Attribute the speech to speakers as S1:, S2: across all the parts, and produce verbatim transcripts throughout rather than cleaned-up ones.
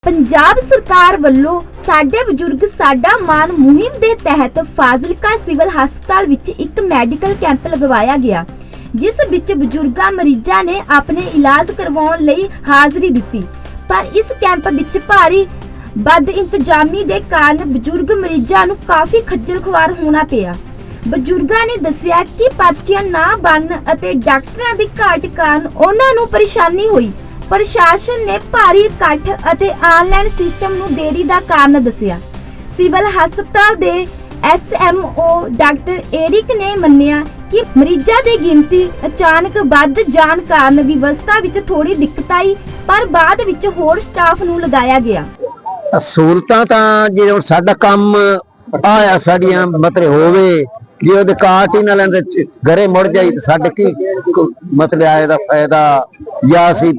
S1: पंजाब सरकार ਵੱਲੋਂ ਸਾਡੇ ਬਜ਼ੁਰਗ ਸਾਡਾ ਮਾਨ ਮੁਹਿੰਮ ਦੇ ਤਹਿਤ ਫਾਜ਼ਿਲਕਾ ਸਿਵਲ ਹਸਪਤਾਲ ਵਿੱਚ ਇੱਕ ਮੈਡੀਕਲ ਕੈਂਪ ਲਗਵਾਇਆ ਗਿਆ, ਜਿਸ ਵਿੱਚ ਬਜ਼ੁਰਗਾਂ ਮਰੀਜ਼ਾਂ ਨੇ ਆਪਣੇ ਇਲਾਜ ਕਰਵਾਉਣ ਲਈ ਹਾਜ਼ਰੀ ਦਿੱਤੀ। ਪਰ ਇਸ ਕੈਂਪ ਵਿੱਚ ਭਾਰੀ ਬਦਇੰਤਜ਼ਾਮੀ ਦੇ ਕਾਰਨ ਬਜ਼ੁਰਗ ਮਰੀਜ਼ਾਂ ਨੂੰ ਕਾਫੀ ਖੱਜਲ ਖੁਆਰ ਹੋਣਾ ਪਿਆ। ਬਜ਼ੁਰਗਾਂ ਨੇ ਦੱਸਿਆ ਕਿ ਪਰਚੀਆਂ ਨਾ ਬਣਨ ਅਤੇ ਡਾਕਟਰਾਂ ਦੀ ਘਾਟ ਕਾਰਨ ਉਹਨਾਂ ਨੂੰ ਪਰੇਸ਼ਾਨੀ ਹੋਈ। ਪ੍ਰਸ਼ਾਸਨ ਨੇ ਭਾਰੀ ਇਕੱਠ ਅਤੇ ਆਨਲਾਈਨ ਸਿਸਟਮ ਨੂੰ ਦੇਰੀ ਦਾ ਕਾਰਨ ਦੱਸਿਆ। ਸਿਵਲ ਹਸਪਤਾਲ ਦੇ S M O doctor Eric ਨੇ ਮੰਨਿਆ ਕਿ ਮਰੀਜ਼ਾਂ ਦੀ ਗਿਣਤੀ ਅਚਾਨਕ ਵੱਧ ਜਾਣ ਕਾਰਨ ਵਿਵਸਥਾ ਵਿੱਚ ਥੋੜੀ ਦਿੱਕਤ ਆਈ, ਪਰ ਬਾਅਦ ਵਿੱਚ ਹੋਰ ਸਟਾਫ ਨੂੰ ਲਗਾਇਆ ਗਿਆ।
S2: ਸਹੂਲਤਾਂ ਤਾਂ ਜੇ ਹੁਣ ਸਾਡਾ ਕੰਮ ਆਇਆ ਸਾਡੀਆਂ ਮਤਲਬ ਹੋਵੇ, ਜੇ ਉਹਦੇ ਕਾਟ ਹੀ ਨਾ ਲੈਂਦੇ ਘਰੇ ਮੁੜ ਜਾਈ ਤਾਂ ਸਾਡੇ ਕੀ ਮਤਲਬ ਆਏ ਦਾ ਫਾਇਦਾ, ਜਾਂ ਅਸੀਂ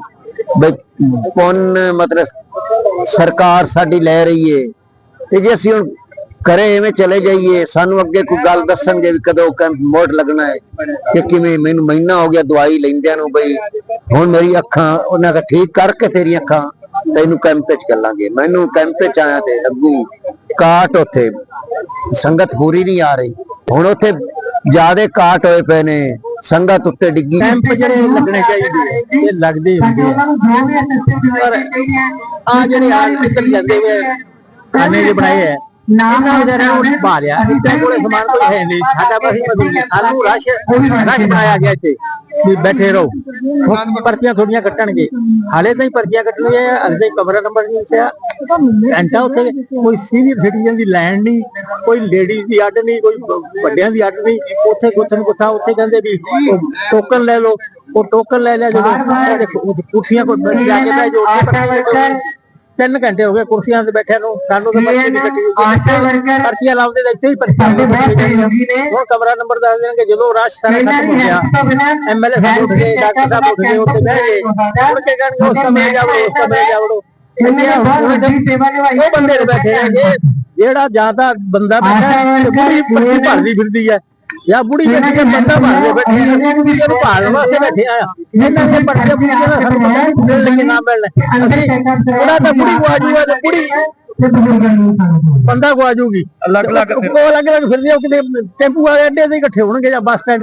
S2: ਪੁੰਨ ਮਤਲਬ ਸਰਕਾਰ ਸਾਡੀ ਲੈ ਰਹੀ ਏ ਤੇ ਜੇ ਅਸੀਂ ਹੁਣ ਘਰੇ ਐਵੇਂ ਚਲੇ ਜਾਈਏ ਸਾਨੂੰ ਅੱਗੇ ਕੋਈ ਗੱਲ ਦੱਸਣਗੇ ਵੀ ਕਦੋਂ ਕੈਂਪ ਮੋੜ ਲੱਗਣਾ ਹੈ ਕਿ ਕਿਵੇਂ। ਮੈਨੂੰ ਮਹੀਨਾ ਹੋ ਗਿਆ ਦਵਾਈ ਲੈਂਦਿਆਂ ਨੂੰ, ਬਈ ਹੁਣ ਮੇਰੀ ਅੱਖਾਂ ਉਹਨਾਂ ਦਾ ਠੀਕ ਕਰਕੇ ਤੇਰੀਆਂ ਅੱਖਾਂ ਤੈਨੂੰ ਕੈਂਪ 'ਚ ਚੱਲਾਂਗੇ। ਮੈਨੂੰ ਕੈਂਪ 'ਚ ਆਇਆ ਤੇ ਅੱਗੂ ਕਾਟ ਉੱਥੇ ਸੰਗਤ ਪੂਰੀ ਨਹੀਂ ਆ ਰਹੀ, ਹੁਣ ਉੱਥੇ ਜਿਆਦੇ ਕਾਟ ਹੋਏ ਪਏ ਨੇ, ਸੰਗਤ ਉੱਤੇ ਡਿੱਗੀ।
S3: ਕੈਂਪ ਜਿਹੜੇ ਲੱਗਣੇ ਚਾਹੀਦੇ ਇਹ ਲੱਗਦੇ ਹੁੰਦੇ ਆ, ਪਰ ਆ ਜਿਹੜੇ ਆ ਨਿਕਲ ਜਾਂਦੇ ਵੇ ਖਾਣੇ ਜੇ ਬਣਾਏ ਆ ਨਾ ਉਹਦੇ ਨੂੰ ਸੰਭਾਲਿਆ ਇੱਥੇ ਕੋਲੇ ਸਮਾਨ ਕੋਈ ਹੈ ਨਹੀਂ। ਸਾਡਾ ਬਸ ਸਾਨੂੰ ਰਸ਼ ਰਸ਼ ਬਣਾਇਆ ਗਿਆ ਇੱਥੇ ਵੀ ਬੈਠੇ ਰਹੋ, ਪਰਚੀਆਂ ਥੋੜੀਆਂ ਕੱਟਣਗੇ। ਹਾਲੇ ਤਾਂ ਹੀ ਪਰਚੀਆਂ ਕੱਟਣੀਆਂ, ਅਜੇ ਕਮਰਾ ਨੰਬਰ ਨਹੀਂ ਦੱਸਿਆ ਘੰਟਾ। ਉੱਥੇ ਕੋਈ ਸੀਨੀਅਰ ਸਿਟੀਜ਼ਨ ਦੀ ਲਾਈਨ ਨਹੀਂ, ਕੋਈ ਲੇਡੀਜ਼ ਦੀ ਅੱਡ ਨਹੀਂ, ਕੋਈ ਵੱਡਿਆਂ ਦੀ ਅੱਡ ਨਹੀਂ। ਉੱਥੇ ਕੁਛ ਨੂੰ ਕੁੱਥਾ ਉੱਥੇ ਕਹਿੰਦੇ ਵੀ ਟੋਕਨ ਲੈ ਲਓ, ਉਹ ਟੋਕਨ ਲੈ ਲਿਆ। ਜਦੋਂ ਕੁਰਸੀਆਂ ਕੋਲ ਜਾ ਕੇ ਬਹਿ ਜਾਓ, ਤਿੰਨ ਘੰਟੇ ਹੋ ਗਏ ਕੁਰਸੀਆਂ ਤੇ ਬੈਠਿਆਂ ਨੂੰ, ਸਾਨੂੰ ਤਾਂ ਪਰਚੀ ਨਹੀਂ ਕੱਟੀ। ਪਰਚੀਆਂ ਲਾਉਂਦੇ ਤਾਂ ਇੱਥੇ ਹੀ ਪਰਚੀਆਂ ਹੁਣ ਕਮਰਾ ਨੰਬਰ ਦੱਸ ਦੇਣਗੇ। ਜਦੋਂ ਰਸ਼ ਸਾਰਾ ਖਤਮ ਹੋ ਗਿਆ, ਐਮ ਐਲ ਏ ਸਾਹਿਬ ਉੱਠ ਗਏ, ਡਾਕਟਰ ਸਾਹਿਬ ਉੱਠ ਗਏ, ਉੱਥੇ ਬਹਿ ਗਏ, ਮੁੜ ਕੇ ਕਹਿਣਗੇ ਉਸ ਕਮਰੇ ਜਾਵੜੋ, ਉਸ ਕਮਰੇ ਜਾਵੜੋ। ਉਹ ਬੰਦੇ ਨੂੰ ਬੈਠੇ ਰਹਿਣਗੇ ਜਿਹੜਾ ਜਾਂ ਤਾਂ ਬੰਦਾ ਬੈਠਾ ਬੁੜੀ ਭਰਦੀ ਫਿਰਦੀ ਹੈ, ਜਾਂ ਬੁੜੀ ਬੈਠੀ ਹੈ ਬੰਦਾ ਭਰਦੇ ਬੈਠੇ, ਇਹਨੂੰ ਭਾਲਣ ਵਾਸਤੇ ਬੈਠੇ ਆ। ਇਹਨਾਂ ਦੇ ਪਰਚੇ ਬੁੜੀ ਦਾ ਸਾਨੂੰ ਪਤਾ ਨਹੀਂ ਮਿਲਣ ਲੱਗੇ ਨਾ ਮਿਲਣ, ਅਸੀਂ ਉਹਦਾ ਤਾਂ ਬੁੜੀ ਕੋ ਆਜੂਗਾ ਤੇ ਬੁੜੀ ਬੰਦਾ ਕੋ ਆਜੂਗੀ। ਅਲੱਗ ਅਲੱਗ ਅਲੱਗ ਅਲੱਗ ਫਿਰਦੇ, ਉਹ ਕਿਤੇ ਟੈਂਪੂ ਵਾਲੇ ਅੱਡੇ ਤੇ ਇਕੱਠੇ ਹੋਣਗੇ ਜਾਂ ਬੱਸ ਸਟੈਂਡ